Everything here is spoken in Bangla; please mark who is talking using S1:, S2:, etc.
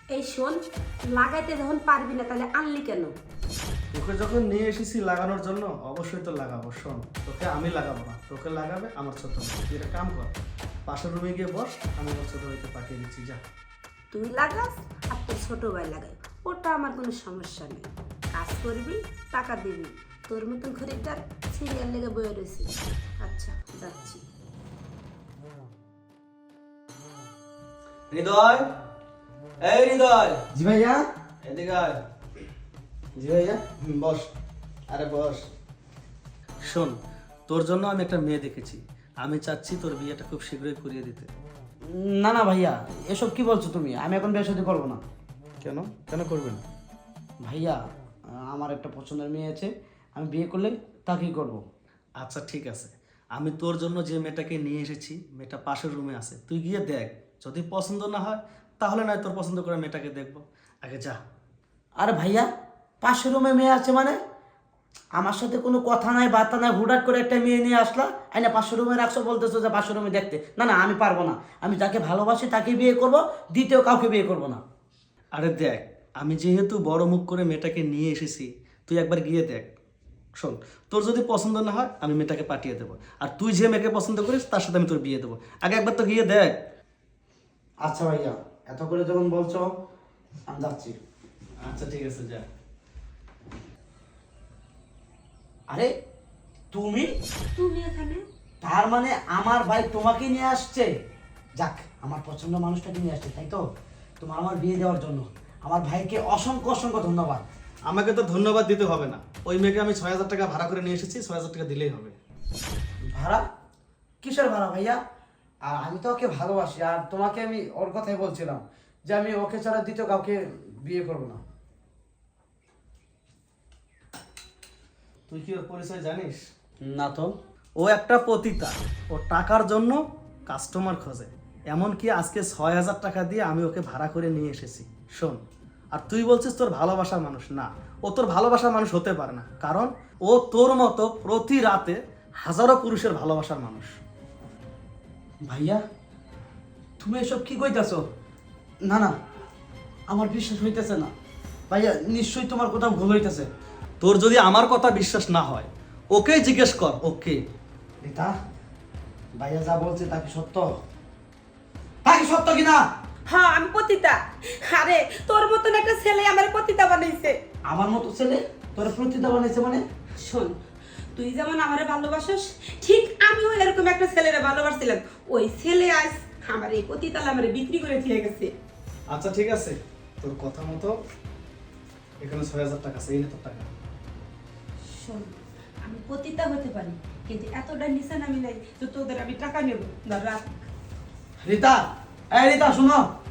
S1: এই শোন, লাগাইতে যখন পারবি না তাহলে আনলি কেন?
S2: তোকে যখন নিয়ে এসেছি লাগানোর জন্য অবশ্যই তো লাগাবো। শোন, তোকে আমি লাগাবো না, তোকে লাগাবে আমার ছোট ভাই। তুই একটা কাম কর, পাশের রুমে গিয়ে বস, আমি আমার ছোট ভাইকে পাঠিয়ে দিচ্ছি। যা।
S1: তুই লাগাস আর তোর ছোট ভাই লাগাই, ওটা আমার কোনো সমস্যা নেই। কাজ করবি, টাকা দিবি। তোর মতন খরিদ্দার সিরিয়াল লেগে বয়ে রয়েছে। আচ্ছা, যাচ্ছি।
S3: হৃদয়, এই হৃদয়,
S4: জি ভাইয়া।
S3: এদিকে আয়।
S4: জি ভাইয়া। বস। আরে বস।
S2: শোন, তোর জন্য আমি একটা মেয়ে দেখেছি। আমি চাচ্ছি তোর বিয়েটা খুব শীঘ্রই করিয়ে দিতে।
S4: না না ভাইয়া, এসব কি বলছো তুমি? আমি এখন বিয়ে শাদী করবো না।
S2: কেন কেন করবে না?
S4: ভাইয়া, আমার একটা পছন্দের মেয়ে আছে, আমি বিয়ে করলে তাকেই করব।
S2: আচ্ছা ঠিক আছে, আমি তোর জন্য যে মেয়েটাকে নিয়ে এসেছি, মেয়েটা পাশের রুমে আছে, তুই গিয়ে দেখ। যদি পছন্দ না হয় তাহলে নয় তোর পছন্দ করে মেয়েটাকে দেখবো। আগে যা।
S4: আরে ভাইয়া, পাশের রুমে মেয়ে আছে মানে? আমার সাথে কোনো কথা নাই, বার্তা নাই, হুটহাট করে একটা মেয়ে নিয়ে আসলা, আইনা পাশের রুমে রাখছো, বলতেছো যে পাশের রুমে দেখতে। না না, আমি পারবো না। আমি যাকে ভালোবাসি তাকে বিয়ে করব, দ্বিতীয় কাউকে বিয়ে করব না।
S2: আরে দেখ, আমি যেহেতু বড় মুখ করে মেয়েটাকে নিয়ে এসেছি, তুই একবার গিয়ে দেখ। শোন, তোর যদি পছন্দ না হয় আমি মেয়েটাকে পাঠিয়ে দেবো, আর তুই যে মেয়েকে পছন্দ করিস তার সাথে আমি তোর বিয়ে দেবো। আগে একবার তো গিয়ে দেখ।
S4: আচ্ছা ভাইয়া, এত করে যখন বলছো আমি যাচ্ছি।
S2: আচ্ছা ঠিক আছে, যা।
S4: আরে তুমি?
S1: তুমি এখানে?
S4: তার মানে আমার ভাই তোমাকে নিয়ে আসছে? যাক, আমার পছন্দ মানুষটাকে নিয়ে আসছে, তাই তো? তোমার আমার বিয়ে দেওয়ার জন্য আমার ভাইকে অসংখ্য অসংখ্য ধন্যবাদ।
S2: আমাকে তো ধন্যবাদ দিতে হবে না, ওই মেয়েকে আমি 6,000 টাকা ভাড়া করে নিয়ে এসেছি, 6,000 টাকা দিলেই হবে।
S4: ভাড়া? কিসের ভাড়া ভাইয়া? আর আমি তো ওকে ভালোবাসি, আর তোমাকে আমি ওর কথাই বলছিলাম যে আমি ওকে ছাড়া দ্বিতীয় কাউকে বিয়ে করবো না।
S2: তুই কি ওর পরিচয় জানিস?
S4: না তো।
S2: ও একটা পতিতা, ও টাকার জন্য কাস্টমার খোঁজে। এমনকি আজকে 6,000 টাকা দিয়ে আমি ওকে ভাড়া করে নিয়ে এসেছি। শোন, আর তুই বলছিস তোর ভালোবাসার মানুষ না, ও তোর ভালোবাসার মানুষ হতে পারে না, কারণ ও তোর মতো প্রতি রাতে হাজারো পুরুষের ভালোবাসার মানুষ।
S4: ভাইয়া, তুমি এসব কি কইতাছো? না না, আমার বিশ্বাস হইতেছে না। ভাইয়া, নিশ্চয়ই তোমার কোথাও ভুল হইতেছে।
S2: তোর যদি আমার কথা বিশ্বাস না হয় ওকেই জিজ্ঞেস কর। ওকে।
S4: রীতা, ভাইয়া যা বলছে তা কি সত্য? তা কি সত্য কিনা?
S1: হ্যাঁ, আমি পতিতা। আরে তোর মতন একটা ছেলে আমার পতিতা বানাইছে।
S4: আমার মতো ছেলে তোর প্রতিটা বানাইছে মানে?
S1: শোন, তুই যেমন আমারে ভালোবাসিস, ঠিক আমিও এরকম একটা ছেলেরে ভালোবাসছিলাম। ওই ছেলে আজ আমার এই পতিতাল আমারে বিক্রি করে দিয়ে গেছে।
S2: আচ্ছা ঠিক আছে, তোর কথা মতো এখানে 6,000 টাকা আছে, এই নে তোর টাকা।
S1: শোন, আমি পতিতা হতে পারি, কিন্তু এতটা নিশান আমি নাই তো তোদের আমি টাকা নেব। ধর রাখ।
S4: রীতা, এই রীতা শুনো।